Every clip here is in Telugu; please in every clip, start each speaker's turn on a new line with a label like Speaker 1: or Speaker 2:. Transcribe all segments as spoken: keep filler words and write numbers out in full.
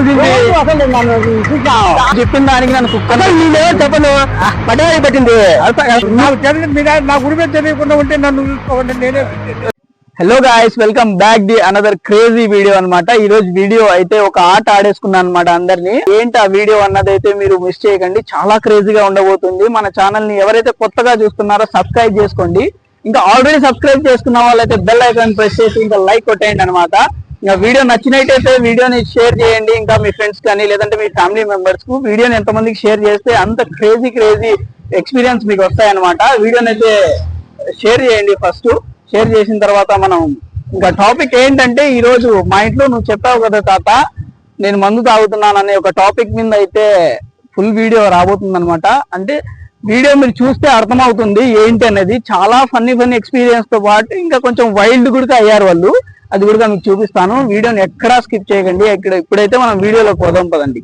Speaker 1: చేసింది చెప్పిన దానికి నన్ను కుక్క నేనే చెప్పను పడ్డాయి పట్టింది
Speaker 2: నా గురి మీద తెలియకుండా ఉంటే నన్ను చూసుకోండి నేనే.
Speaker 1: Hello guys, welcome back the another crazy video అన్నమాట. ఈ రోజు వీడియో అయితే ఒక ఆట ఆడేసుకున్నాను అనమాట అందరినీ. ఏంటి ఆ వీడియో అన్నది అయితే మీరు మిస్ చేయకండి, చాలా క్రేజీగా ఉండబోతుంది. మన ఛానల్ ని ఎవరైతే కొత్తగా చూస్తున్నారో సబ్స్క్రైబ్ చేసుకోండి. ఇంకా ఆల్రెడీ సబ్స్క్రైబ్ చేసుకున్న వాళ్ళైతే బెల్ ఐకాన్ ప్రెస్ చేసి ఇంకా లైక్ కొట్టేయండి అనమాట. ఇంకా వీడియో నచ్చినట్టయితే వీడియోని షేర్ చేయండి, ఇంకా మీ ఫ్రెండ్స్ కానీ లేదంటే మీ ఫ్యామిలీ మెంబర్స్ కు వీడియోని ఎంతమందికి షేర్ చేస్తే అంత క్రేజీ క్రేజీ ఎక్స్పీరియన్స్ మీకు వస్తాయన్నమాట. వీడియోని అయితే షేర్ చేయండి. ఫస్ట్ షేర్ చేసిన తర్వాత మనం ఇంకా టాపిక్ ఏంటంటే, ఈ రోజు మా ఇంట్లో నువ్వు చెప్పావు కదా తాత నేను మందు తాగుతున్నాను అనే ఒక టాపిక్ మీద అయితే ఫుల్ వీడియో రాబోతుంది అనమాట. అంటే వీడియో మీరు చూస్తే అర్థమవుతుంది ఏంటి అనేది. చాలా ఫన్నీ ఫన్నీ ఎక్స్పీరియన్స్ తో పాటు ఇంకా కొంచెం వైల్డ్ కూడా అయ్యారు వాళ్ళు. అది కూడా మీకు చూపిస్తాను. వీడియోని ఎక్కడా స్కిప్ చేయకండి. ఇక్కడ ఇప్పుడైతే మనం వీడియోలోకి పోదాం పదండి.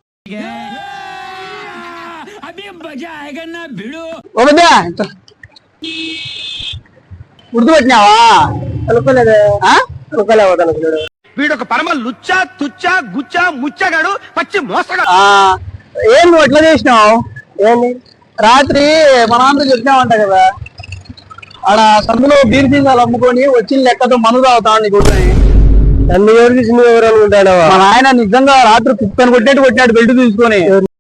Speaker 1: గుర్తుపెట్టినావా?
Speaker 2: వీడొక పరమ లుచ్చా తుచ్చా గుచ్చా ముచ్చగాడు, పచ్చి మోసగాడు.
Speaker 1: ఏం నువ్వు ఎట్లా చేసినావు? ఏంది రాత్రి మా నాన్న చెప్పినావంట కదా, ఆడ సందులో బీర్ సీసాలు అమ్ముకొని వచ్చిన లెక్కతో మందు తాగుతావు నీ కొడుకుని. నన్ను ఎవరు తీసి నువ్వు ఎవరు అనుకుంటాడు? మా ఆయన నిజంగా రాత్రి కుక్కని కొట్టేట్టు కొట్టినాడు బెల్ట్ తీసుకొని.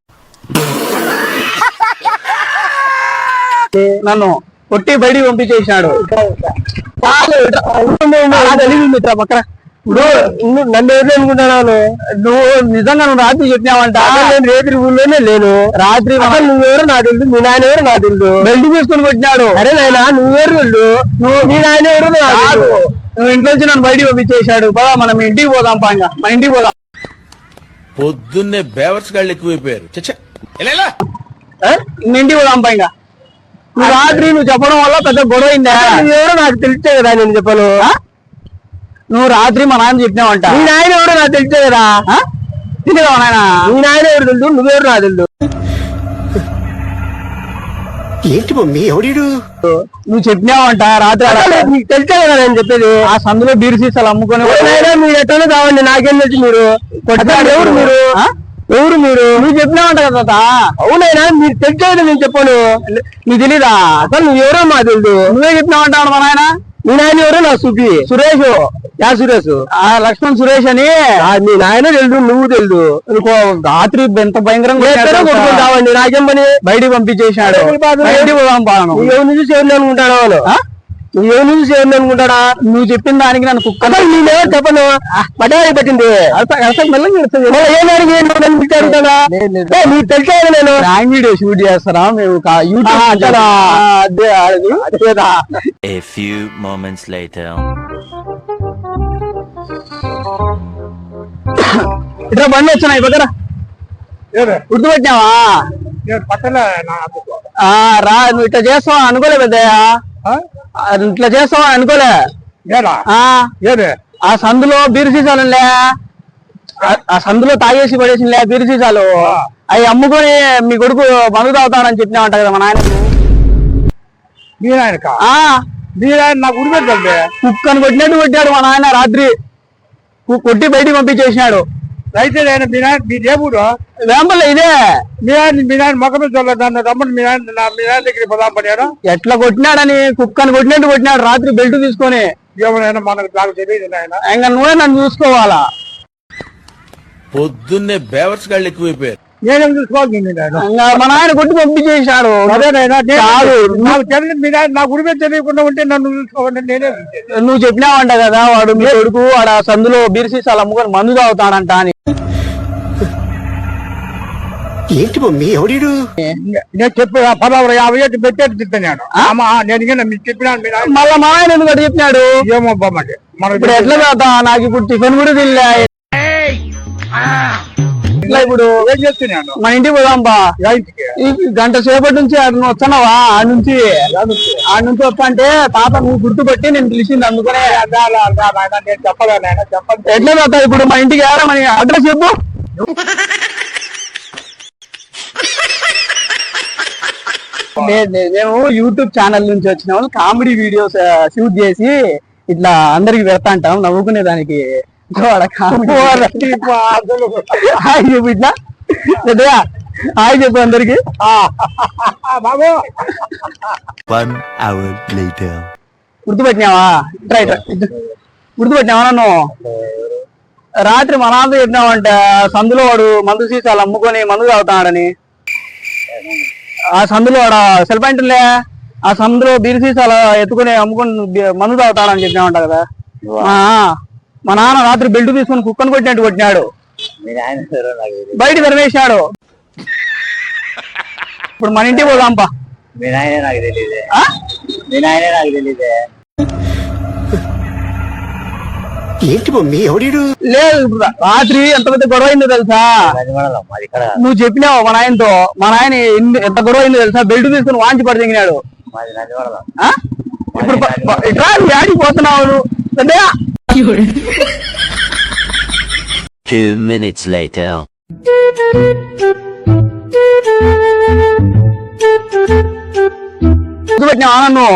Speaker 1: నన్ను కొట్టి బయటికి పంపించేసినాడు. పక్కన నన్ను ఎవరు అనుకుంటున్నాను? నువ్వు నిజంగా నువ్వు రాత్రి చెప్పినావంట. నేను రేత్రి ఊళ్ళోనే లేను. రాత్రి నువ్వెవరు నా తెలుసు, మీ నాయన ఎవరు నా తెలుసు. బెల్ట్ తీసుకొని కొట్టినాడు. అరే నాయన నువ్వెవరు వెళ్ళు, నువ్వు మీ నాయన ఎవరు నాకు. నువ్వు ఇంట్లో నుంచి నన్ను బయటికి పంపించేశాడు. పదా మనం ఇంటికి పోదాం పాంగా, మన ఇంటికి పోదాం.
Speaker 3: పొద్దున్నే బేవర్స్ గాళ్ళు ఎక్కువైపోయారు.
Speaker 1: ఇంటికి పోదాం పాంగా. నువ్వు రాత్రి నువ్వు చెప్పడం వల్ల పెద్ద గొడవ అయిందా? నువ్వెవరో నాకు తెలిసే కదా నేను చెప్పను. నువ్వు రాత్రి మా నాయన చెప్పినావంట. మీ నాయన ఎవరు నాకు తెలిసే కదా. తెలియదా నాయన? మీ నాయన ఎవరు తెలుసు, నువ్వెవరు నాకు తెలుసు.
Speaker 2: ఏంటి మమ్మీ ఎవడు?
Speaker 1: నువ్వు చెప్పినావంట రాత్రి. నీకు తెలిసే కదా నేను చెప్పేది. ఆ సందులో బీర్ సీసాలు అమ్ముకొని మీరు ఎట్లా కావండి, నాకేం తెలుసు. మీరు ఎవరు మీరు ఎవరు మీరు నువ్వు చెప్పినావంట కదా. అవునైనా మీరు తెలిసేది నేను చెప్పాను. నీకు తెలీదా? అసలు నువ్వు ఎవరో మా తెలుసు. నువ్వే చెప్పినావంట మా నాయన. మీ నాయన ఎవరో నాకు చూపి. సురేష్. యా సురేష్? ఆ లక్ష్మణ్ సురేష్ అని. మీ నాయన తెలుసు, నువ్వు తెలుసు. రాత్రి ఎంత భయంకరంగా కొట్టుకుంటావండి. నాకేం పని? బయటికి పంపించేసినాడు. బయటికి పోదాం. ఎవరి నుంచి సేవలు అనుకుంటాడు వాళ్ళు. నువ్వు ఎవరి నుంచి సేవలు అనుకుంటాడా? నువ్వు చెప్పిన దానికి నన్ను కుక్క నేనే చెప్పను పడ్డాయి పట్టింది. నీకు తెలిసే నేను ర్యాంక్ వీడియో షూట్ చేస్తారా మేము యూట్యూబ్. అదే అదేదా.
Speaker 4: A few moments later.
Speaker 1: ఇట్లా బండి వచ్చినాయి పక్కన. గుర్తుపెట్టినావా? రా నువ్వు ఇట్లా చేస్తావా అనుకోలే పెద్దయ్యా. ఇట్లా చేస్తావా అనుకోలే. ఆ సందులో బీరు సీసాలులే, ఆ సందులో తాగేసి పడేసిలే బీరు సీసాలు. అవి అమ్ముకొని మీ కొడుకు మందు తాగుతానని చెప్పినావంట కదా మా నాయనకు.
Speaker 2: మీ నాయనక? మీ నాయన నాకు ఉడిపెట్టండి.
Speaker 1: కుక్కను కొట్టినట్టు కొట్టాడు మా నాయన రాత్రి. కొట్టి బయటికి పంపించేసినాడు.
Speaker 2: అయితే నేను మీ నాయన మీ దేవుడు
Speaker 1: వేంపల్ల ఇదే.
Speaker 2: మీ నాయన మీ నాయన మొక్కమే చూడలేదు. నన్ను రమ్మని మీ నాయన మీ నాయన దగ్గర పదాం పడాడు.
Speaker 1: ఎట్లా కొట్టినాడని కుక్కను కొట్టినట్టు కొట్టినాడు రాత్రి బెల్ట్ తీసుకొని.
Speaker 2: ఏమైనా మనకు నాకు తెలియదు నాయన.
Speaker 1: ఇంకా నువ్వే నన్ను చూసుకోవాలా.
Speaker 3: పొద్దున్నే బేవర్స్ గాళ్ళు ఎక్కువైపోయారు.
Speaker 2: నేనేం చూసుకోవాలి?
Speaker 1: మా నాయన కొట్టి పంపించేసాడు.
Speaker 2: అదేనైనా నాకు తెలియదు. మీ నాయన నా గురి మీద తెలియకుండా ఉంటే నన్ను చూసుకోవాలి నేనే.
Speaker 1: నువ్వు చెప్పినావంట కదా వాడు మీ కొడుకు వాడు ఆ సందులో బీర్ సీసాలు అమ్ముకొని మందు తాగుతాడంట అని.
Speaker 2: ఏంటి మమ్మీ ఎవడు? నేను చెప్పి పదహారు యాభై ఏళ్ళు పెట్టేట్టు తిట్టాను. నేను మీకు చెప్పినాను.
Speaker 1: మళ్ళా మా ఆయన ఎందుకు చెప్పినాడు?
Speaker 2: ఏమో బామ్మంటే మనం
Speaker 1: ఇప్పుడు ఎట్లా తాగుతా? నాకు ఇప్పుడు టిఫిన్ కూడా తినలే. ఇట్లా ఇప్పుడు
Speaker 2: ఏం చెప్తున్నాను?
Speaker 1: మన ఇంటికి పోదాం బా. గంట సేపటి నుంచి నువ్వు వస్తున్నావా? ఆ నుంచి ఆ నుంచి వస్తా అంటే తాత నువ్వు గుర్తుపట్టి నేను పిలిచింది అందుకనే.
Speaker 2: నేను చెప్పలే నాయన చెప్పండి.
Speaker 1: ఎట్లా తాత ఇప్పుడు మన ఇంటికి వెళ్ళా? మన అడ్రస్ చెప్పు. మేము యూట్యూబ్ ఛానల్ నుంచి వచ్చిన వాళ్ళు కామెడీ వీడియోస్ షూట్ చేసి ఇట్లా అందరికి పెడతా అంటాం నవ్వుకునే దానికి. కొడకా. హాయ్ చెప్పు ఇట్లా పెద్దగా హాయ్ చెప్పు అందరికి.
Speaker 2: బాబు
Speaker 4: One hour later.
Speaker 1: గుర్తుపెట్టినావా? ఇట్రా ఇట్రా గుర్తుపెట్టినావా నన్ను? రాత్రి మా నాన్న చెప్పినావంట సందులో వాడు మందు సీసాలు అమ్ముకొని మందు తాగుతాడని. ఆ సందులో వాడు సెల్ పాయింట్లే ఆ సందులో బీరు సీసాలు ఎత్తుకొని అమ్ముకొని బి- మందు తాగుతాడని చెప్పినావంట కదా. ఆ, మా నాన్న రాత్రి బెల్ట్ తీసుకొని కుక్కను కొట్టినట్టు కొట్టినాడు, బయట తరిమేసినాడు. ఇప్పుడు మన ఇంటికి పోదాంపా.
Speaker 2: మీ నాయనే నాకు తెలియదే
Speaker 1: ఆ?
Speaker 2: మీ నాయనే నాకు తెలియదే ఏంటి మమ్మీ ఎవడీడు
Speaker 1: లేదు ఇప్పుడు రాత్రి ఎంత పెద్ద గొడవ అయిందో తెలుసా?
Speaker 2: మాది ఇక్కడ
Speaker 1: నువ్వు చెప్పినావు మా నాయనతో. మా నాయన ఎన్ని- ఎంత గొడవ అయిందో తెలుసా? బెల్ట్ తీసుకుని వాంచి పడి దిగినాడు.
Speaker 2: మాది నందివరం
Speaker 1: ఆ? ఇప్పుడు ప- ప- ఇట్రా నువ్వు యాడికి పోతున్నావు నువ్వు? పెద్దయ్య.
Speaker 4: Two minutes later.
Speaker 1: గుర్తుపెట్టినావా నన్ను?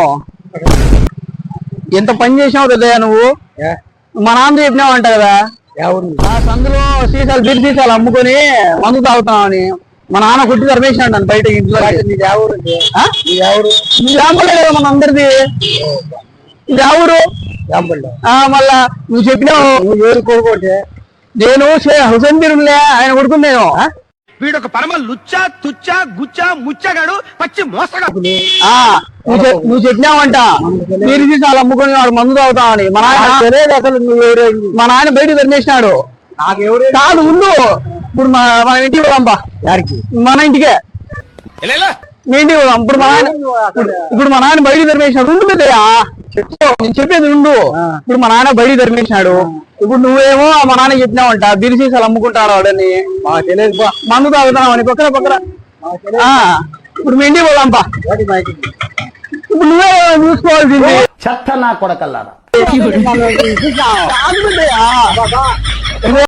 Speaker 1: ఎంత పని చేసినావు పెద్దయ్య నువ్వు. మా నాన్న చెప్పినావు అంట కదా
Speaker 2: ఎవరు
Speaker 1: ఆ సందులో సీసాలు బీర్ సీసాలు అమ్ముకొని మందు తాగుతున్నావని. మా నాన్న కొట్టి తరిమేసినాడు నన్ను బయట ఇంట్లో.
Speaker 2: నీది ఎవరు
Speaker 1: ఆ?
Speaker 2: నీది ఎవరు
Speaker 1: జాంపలే కదా మన అందరిది. ఇది ఎవరు?
Speaker 2: జాంపల్లో
Speaker 1: ఆ మళ్ళా నువ్వు చెప్పినావు.
Speaker 2: నువ్వు ఎవరు కోరుకోటే
Speaker 1: నేను షే- హుసేన్ బీరులే ఆయన కొడుకుని నేను.
Speaker 3: వీడొక పరమ లుచ్చా తుచ్చా గుచ్చా ముచ్చగాడు పచ్చి మోసగాడు.
Speaker 1: ఆ నువ్వు చెప్- నువ్వు చెప్పినావంట బీరు సీసాలు అమ్ముకొని వాడు మందు తాగుతావని. మా నాయన
Speaker 2: తెలియదు అసలు నువ్వు ఎవరు
Speaker 1: మా నాయన బయట తరిమేసినాడు.
Speaker 2: నాకు ఎవరు
Speaker 1: కాదు ఉండు. ఇప్పుడు మా మన ఇంటికి పోదాంపా.
Speaker 2: యారికి
Speaker 1: మన ఇంటికే
Speaker 3: ఎలా
Speaker 1: మీ ఇంటికి పోదాం. ఇప్పుడు మా నాయన ఇప్పుడు- ఇప్పుడు మా నాయన బయట తరిమేసినాడు. ఉండు పెద్దయ్యా చెప్పు, నేను చెప్పేది ఉండు. ఇప్పుడు మా నాన్న బయట తరిమేసినాడు. ఇప్పుడు నువ్వేమో మా నాన్న చెప్పినావంట బీరు సీసాలు అమ్ముకుంటాడు వాడని.
Speaker 2: మాకు తెలియదు బా
Speaker 1: మందు తాగుతున్నావు అని పక్కన పక్కన. ఆ ఇప్పుడు మీ ఇంటికి పోదాంపా.
Speaker 2: వాటి మా ఇంటికి.
Speaker 1: ఇప్పుడు నువ్వే చూసుకోవాల్సింది.
Speaker 2: చెత్త నా కొడకల్లారా
Speaker 1: కాదు పెద్దయ్యా.